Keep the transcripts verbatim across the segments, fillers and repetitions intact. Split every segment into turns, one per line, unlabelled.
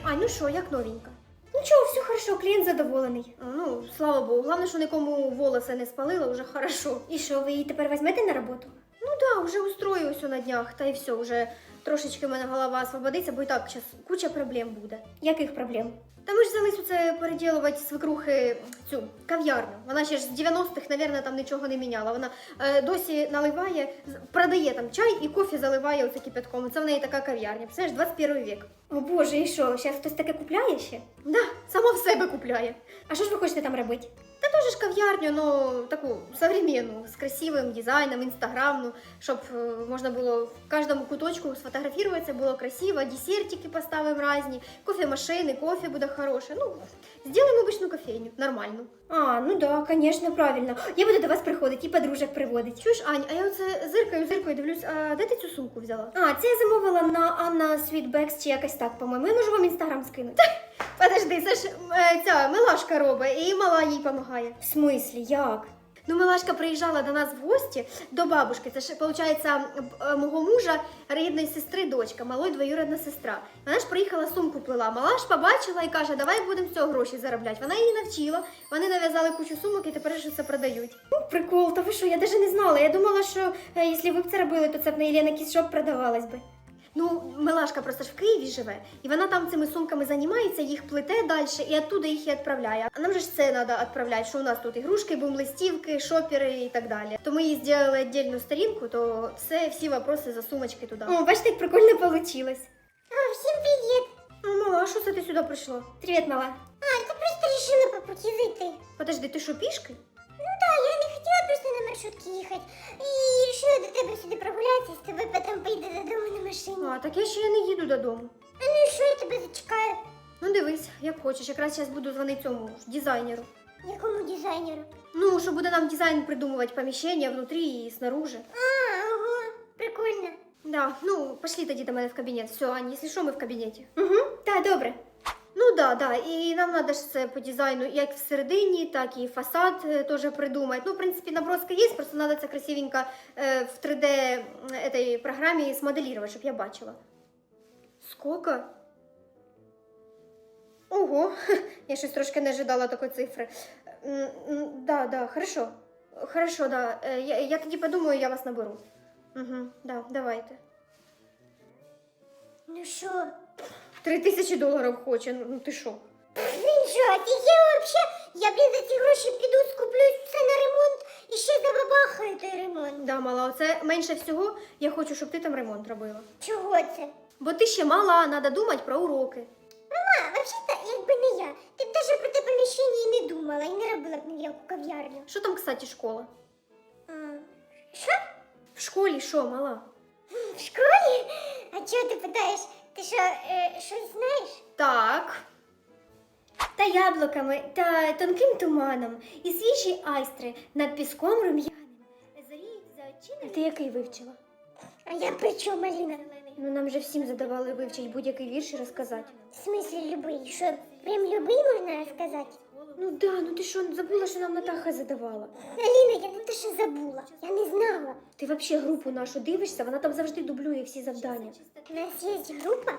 Ань, ну що, як новенька? Нічого, все хорошо, клієнт задоволений. Ну, слава Богу, головне, що нікому волоси не спалила, вже хорошо. І що, ви її тепер візьмете на роботу? Ну да, вже устрою все на днях, та й все, вже трошечки в мене голова освободиться, бо і так зараз куча проблем буде. Яких проблем? Та ми ж взялись оце переділувати свекрухи цю кав'ярню. Вона ще ж з дев'яностих, мабуть, там нічого не міняла. Вона е, досі наливає, продає там чай і кофе заливає оце кипятком. Це в неї така кав'ярня. Представляєш, двадцять перший вік. О Боже, і що, зараз хтось таке купляє ще? Да, сама в себе купляє. А що ж ви хочете там робити? Та теж ж кав'ярню, ну, таку современну, з красивим дизайном, інстаграмну, щоб е, можна було в кожному куточку сфотографуватися, було красиво, десертики поставимо різні, кофемашини, кофе буде хороше. Ну, зробимо обичну кофейню, нормальну. А, ну да, конечно, правильно. Я буду до вас приходити і подружок приводити. Чуєш, Ань, а я оце зиркаю, зиркаю, дивлюсь, а де ти цю сумку взяла? А, це я замовила на Анна Світбекс чи якось так, по-моєму. Я можу вам інстаграм скинути. Подожди, це ж е, ця Милашка робить, і мала їй допомагає. В смислі, як? Ну, Милашка приїжджала до нас в гості, до бабушки. Це ж, виходить, мого мужа, рідної сестри, дочка, малої двоюрідна сестра. Вона ж приїхала, сумку плела. Мала ж побачила і каже, давай будемо з цього гроші заробляти. Вона її навчила, вони нав'язали кучу сумок і тепер ж це продають. Ну, прикол, та ви що, я навіть не знала. Я думала, що е, якщо ви б це робили, то це б на Єлена Кіс-шоп продавалось би. Ну, Милашка просто ж в Києві живе, і вона там цими сумками займається, їх плете далі, і оттуда їх і відправляє. А нам же ж це треба відправляти, що у нас тут ігрушки, бум-листівки, шопери і так далі. То ми їй зробили віддільну сторінку, то все, всі вопроси за сумочки туди. О, бачите, як прикольно вийшло.
А, всім привіт!
Ну, мала, що це ти сюди прийшла? Привіт, мала.
А, ти просто вирішила по путі зайти.
Подожди, ти що, пішки?
Ну так, я не хотіла просто на маршрутці їхати. І вирішила до тебе сюди прогулятися, з тобою потім поїду додому на машині.
А, так я ще не їду додому.
А ну і що, я тебе зачекаю?
Ну, дивись, як хочеш, якраз зараз буду дзвонити цьому ж дизайнеру.
Якому дизайнеру?
Ну, що буде нам дизайн придумувати поміщення внутрі і снаружи.
А, ого, прикольно.
Да, ну, пошли тоді до мене в кабінет. Все, Аня, якщо що, ми в кабінеті. Угу, так, добре. Ну да, да, і нам треба ж це по дизайну як всередині, так і фасад е, теж придумати. Ну, в принципі, наброска є, просто треба це красивенько е, в три дэ этой програмі смоделірувати, щоб я бачила. Сколько? Ого, я щось трошки не ожидала такої цифри. М, м, Да, да, хорошо. Хорошо, да. Е, Я, я тоді подумаю, я вас наберу. Угу, да, давайте.
Ну що?
Три тисячі доларів хоче, ну ну ти що?
Він що, офігела вообще? Я, блін, за ці гроші піду, скуплю все на ремонт і ще забабахаю той ремонт.
Да, мала, оце менше всього я хочу, щоб ти там ремонт робила.
Чого це?
Бо ти ще мала, треба думати про уроки.
Мама, взагалі-то, якби не я, ти б навіть про те поміщення і не думала, і не робила б ніяку кав'ярню.
Що там, кстати, школа?
А, що?
В школі що, мала?
В школі? А чого ти питаєш? Ти що, е, щось знаєш?
Так. Та яблуками, та тонким туманом, і свіжі айстри над піском рум'яним. Зоріють за очима. Ти який вивчила?
А я при чому, Аліна?
Ну, нам же всім задавали вивчити будь-який вірш і розказати.
В смислі любий? Що, прям любий можна розказати?
Ну да, ну ти що, забула, що нам Натаха задавала?
Аліна, я не те, що забула. Я не знала.
Ти взагалі групу нашу дивишся, вона там завжди дублює всі завдання.
У нас є група?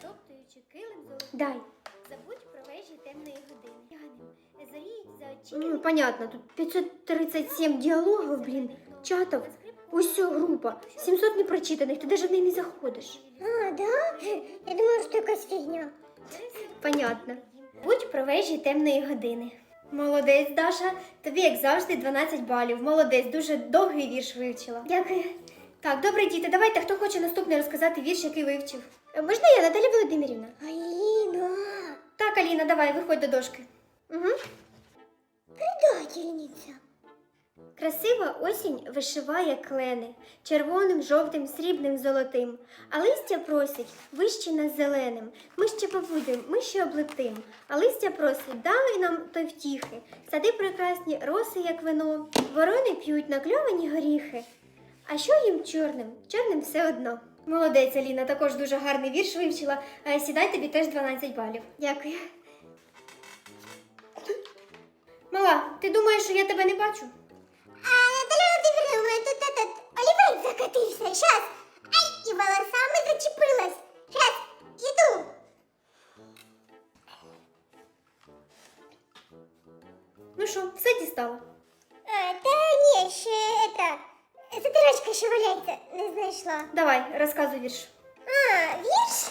Дай.
Забудь про вежі темної години. Зоріють за
Ну, понятно, тут пятьсот тридцать семь діалогів, блін, чатів. Усьо група. сімсот непрочитаних, ти навіть в неї не заходиш.
А, да? Я думала, що якась фігня.
Понятно. Будь про вежі темної години. Молодець, Даша. Тобі, як завжди, дванадцять балів. Молодець, дуже довгий вірш вивчила. Дякую. Так, добре, діти, давайте, хто хоче наступний розказати вірш, який вивчив. Е, Можна я, Наталя Володимирівна?
Аліна,
Так, Аліна, давай, виходь до дошки. Угу.
предательниця.
Красива осінь вишиває клени червоним, жовтим, срібним, золотим. А листя просить вище нас зеленим. Ми ще побудем, ми ще облетим. А листя просить, дай нам той втіхи. Сади прекрасні, роси, як вино. Ворони п'ють накльовані горіхи. А що їм чорним? Чорним все одно. Молодець, Аліна, також дуже гарний вірш вивчила. А сідай, тобі теж дванадцять балів. Дякую. Мала, ти думаєш, що я тебе не бачу?
А, Наталя Володимирівна, у мене тут этот олівець закатився. Щас. Ай, і волосами зачепилась. Щас, іду. книжка ще валяється, не знайшла.
Давай, розказуй вірш.
А, вірш?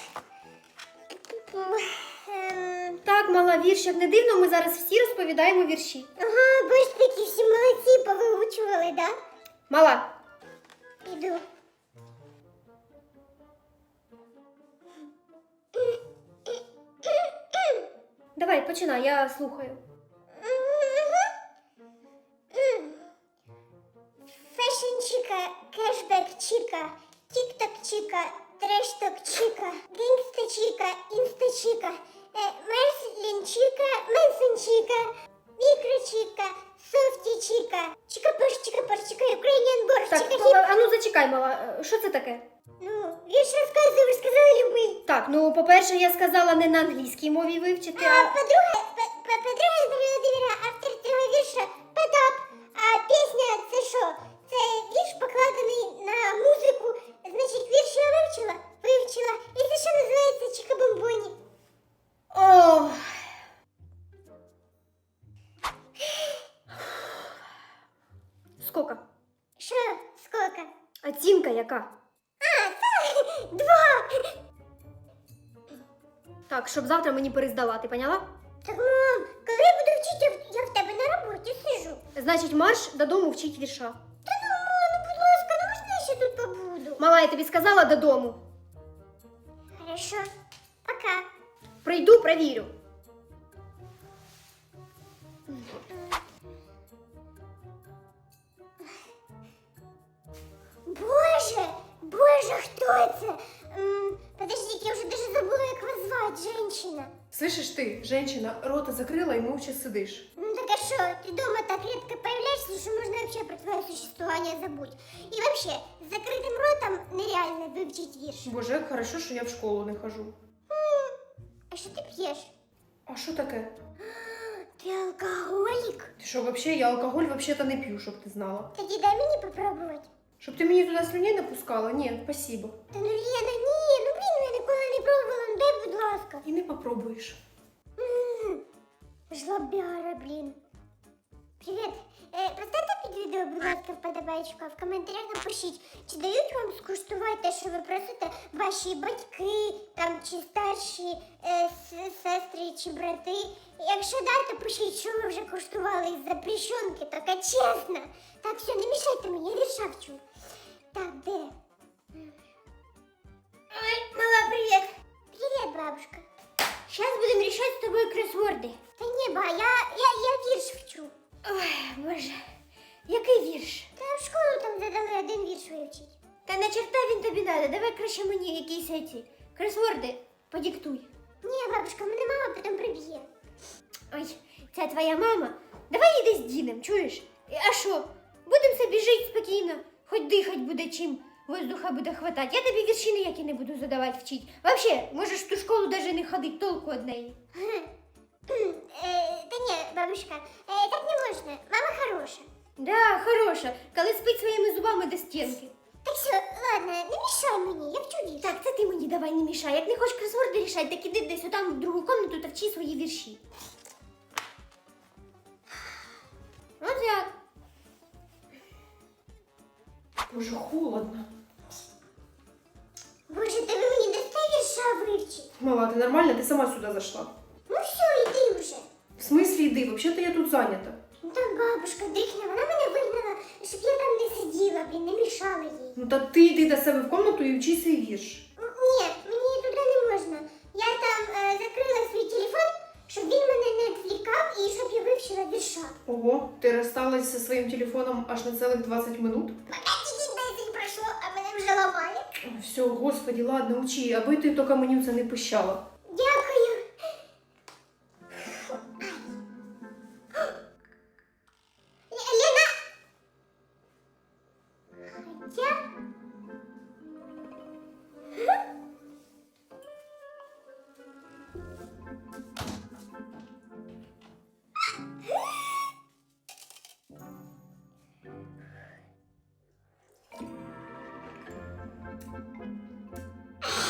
Ем,
Так, мала, вірш, як не дивно, ми зараз всі розповідаємо вірші.
ага, бо ж такі всі молодці повиучували, да?
Мала,
Іду.
давай, починай, я слухаю.
Фэшн чика, кэшбэк чика, тик-ток чика, трэш-ток чика, гангста чика, инста чика, э, Мерслин чика, Мэнсон чика, микро чика, софти чика, чика-пош, чика-пош, чика, Ukrainian борщ,
Так,
чика-хип.
а ну зачекай, мала, що це таке?
Ну, вірш розказую, ви ж сказали любий.
Так, ну, по-перше, я сказала не на англійській мові вивчити,
А
а...
по-друге, по- по- по-друге, Дар'я Володимирівна, автор цього вірша Потап. А пісня це що? Це вірш покладений на музику. Значить, вірш я вивчила, вивчила. І це що називається Чика-бомбоні.
О, скока.
Що, скільки?
Оцінка яка?
А, це два.
Так, щоб завтра мені перездала, ти поняла?
Так, мам, коли я буду вчити, я в- я в тебе на роботі сижу.
Значить, марш додому вчить вірша.
Та ну, мам, ну, будь ласка, ну можна я ще тут побуду?
Мала, я тобі сказала додому.
Хорошо, пока.
Прийду, провірю.
Боже, боже, хто це? М, Подождите, я вже даже забула, як вас звати, женщина.
Слышишь ты, женщина, рота закрыла и молча сидишь.
Ну так а що, ти дома так редко появляешься, що можна вообще про твоє существування забудь. І вообще, з закритим ротом нереально вивчити вірш.
Боже, як хорошо, що я в школу не хожу.
А що ти п'єш?
А що таке?
Ти алкоголік?
Ти що, вообще, я алкоголь вообще-то не п'ю, щоб ти знала.
Тоді дай мені попробувати.
Щоб ти мені туди слюней напускала? Ні, спасибо.
Та ну Лена, ні, ну блін, ну я ніколи не пробувала, ну дай, будь ласка.
І не попробуєш.
М, Жлобяра, блін. Привіт. Е, поставте під відео, будь ласка, вподобайку, а в коментарях напишіть, чи дають вам скуштувати те, що ви просите ваші батьки, там, чи старші е, с- сестри, чи брати. Якщо да, то пишіть, що ви вже куштували із запрещенки, така чесно. Так, все, не мішайте мені, я вірша вчу. Так, де? Ой, мала, привіт. Привіт, бабушка. Сейчас будем решать с тобой кроссворды. Та ні, ба, я, я, я вірш вчу.
Ой, боже, який вірш?
Та в школу там задали один вірш вивчити.
Та на черта він тобі надо, давай краще мені якісь ці кросворди подиктуй.
Ні, бабушка, мене мама потім приб'є.
Ой, це твоя мама? Давай їди з Діном, чуєш? А що? Будемо собі жити спокійно, хоч дихать буде чим, воздуха буде хватати. Я тобі вірші ніякі не буду задавати вчить. Вообще, можеш в ту школу навіть не ходити, толку од неї.
Е, та ні, бабушка, е, так не можна. Мама хороша.
Да, хороша, коли спить своїми зубами до стінки.
Так все, ладно, не мішай мені, я вчу вірш.
Так, це ти мені давай не мішай. Як не хочеш кросворди рішати, так іди десь отам в другу комнату та вчи свої вірші. От як.
Боже, холодно.
Боже, та ви мені дасте вірша вивчити?
Мала, ти нормальна? Ти сама сюди зайшла.
Ну все, йди вже.
В смислі йди? Вообще-то я тут зайнята.
Ну так бабушка дрихня, вона мене вигнала, щоб я там не сиділа, блін, не мішала їй.
Ну та ти йди до себе в комнату і вчи свій вірш.
М, Ні, мені туди не можна. Я там е, закрила свій телефон, щоб він мене не відвлікав і щоб я вивчила вірша.
Ого, ти розсталась зі своїм телефоном аж на цілих двадцять минут?
Пока тільки десять пройшло, а мене вже ламає.
Все, господи, ладно, учи, аби ти тільки мені це не пищала.
Дякую. Ле- Лена! Хотя...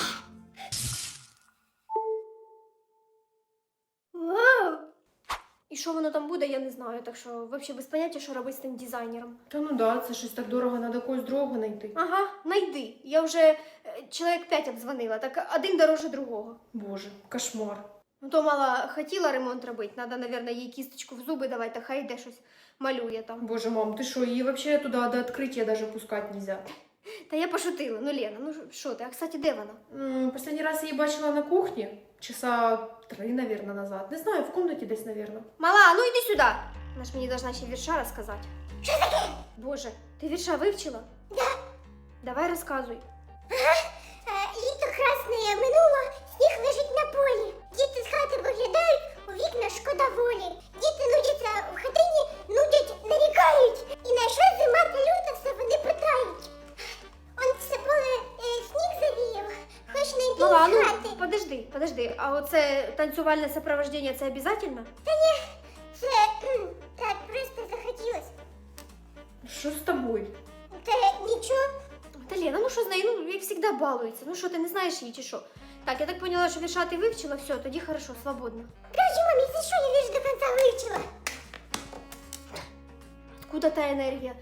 Вау! І що воно там буде, я не знаю, так що взагалі без поняття, що робити з тим дизайнером.
Та ну да, це щось так дорого, треба когось другого знайти.
Ага, найди. Я вже е, чоловік п'ять обдзвонила, так один дороже другого.
Боже, кошмар.
Ну то мала хотіла ремонт робити, треба, мабуть, їй кісточку в зуби давати, та хай йде щось малює там.
Боже, мам, ти що, її взагалі туди до відкриття даже пускати нельзя.
Та я пошутила, ну Лена, ну що ти, а кстати, де вона?
М, Последній раз я її бачила на кухні, часа три, наверное, назад. Не знаю, в комнаті десь, наверное.
Мала, ну йди сюди. Вона ж мені должна ще вірша розказати. Що таке? Боже, ти вірша вивчила?
Да.
Давай розказуй.
Е, Літо красне минуло, сніг лежить на полі. Діти з хати виглядають, у вікна шкода волі. Діти нудяться в хатині, нудять, нарікають. І на що зима та люта все вони питають. Он все поле е, сніг завіяв, хоч не йти
Мала,
з
ну
хати.
подожди, подожди, а оце танцювальне сопровождення, це обов'язково?
Та ні, це кхм, так просто захотілось.
Що з тобою?
Та нічого.
Та Лена, ну що з нею, ну як завжди балується. Ну що, ти не знаєш її чи що? Так, я так поняла, що вірша ти вивчила, все, тоді хорошо, свободно.
Краще, мамі, за що я вірш до кінця вивчила?
Откуда та енергія?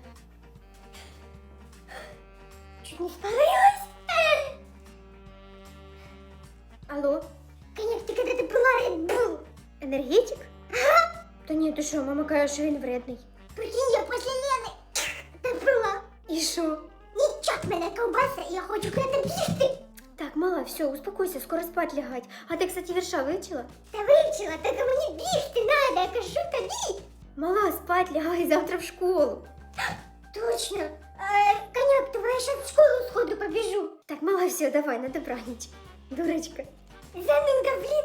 Чуть не спалилась.
Алло,
Коняк, ти коли ти пила Red Bull?
енергетик? Ага. Та ні, ти що, мама каже, що він вредний.
Прикинь, я після Лени та пила.
І що?
Нічок мене ковбаса, і я хочу куди бігти.
Так, мала, все, успокойся, скоро спать лягать. А ти, кстати, вірша вивчила?
Та вивчила, так а мені бігти надо, я кажу тобі.
Мала, спать лягай завтра в школу.
Точно. Е, Коняк, давай я ще в школу сходу побіжу.
Так, мала, все, давай, на добраніч. Дурочка.
Заминка, блін.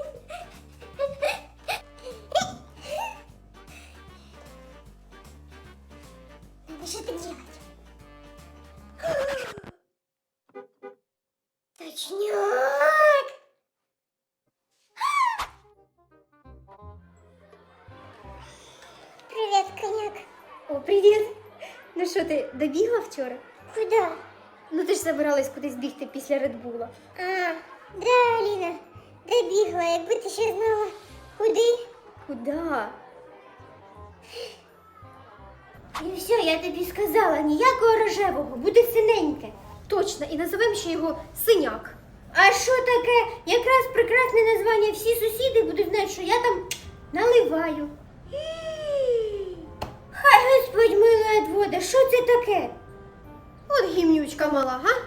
Надо что-то делать. Точняк! Привет, коняк.
О, привіт. Ну що, ти добігла вчора?
Куда?
Ну ти ж забиралась кудись бігти після Редбула.
А, да, Аліна, добігла, якби ти ще знала. Куди?
Куда?
І все, я тобі сказала, ні.
Ніякого рожевого, буде синеньке. Точно, і називемо ще його синяк. А що таке? Якраз прекрасне названня. Всі сусіди будуть знати, що я там наливаю. Хай Господь милує вода, що це таке? От гімнючка мала, га?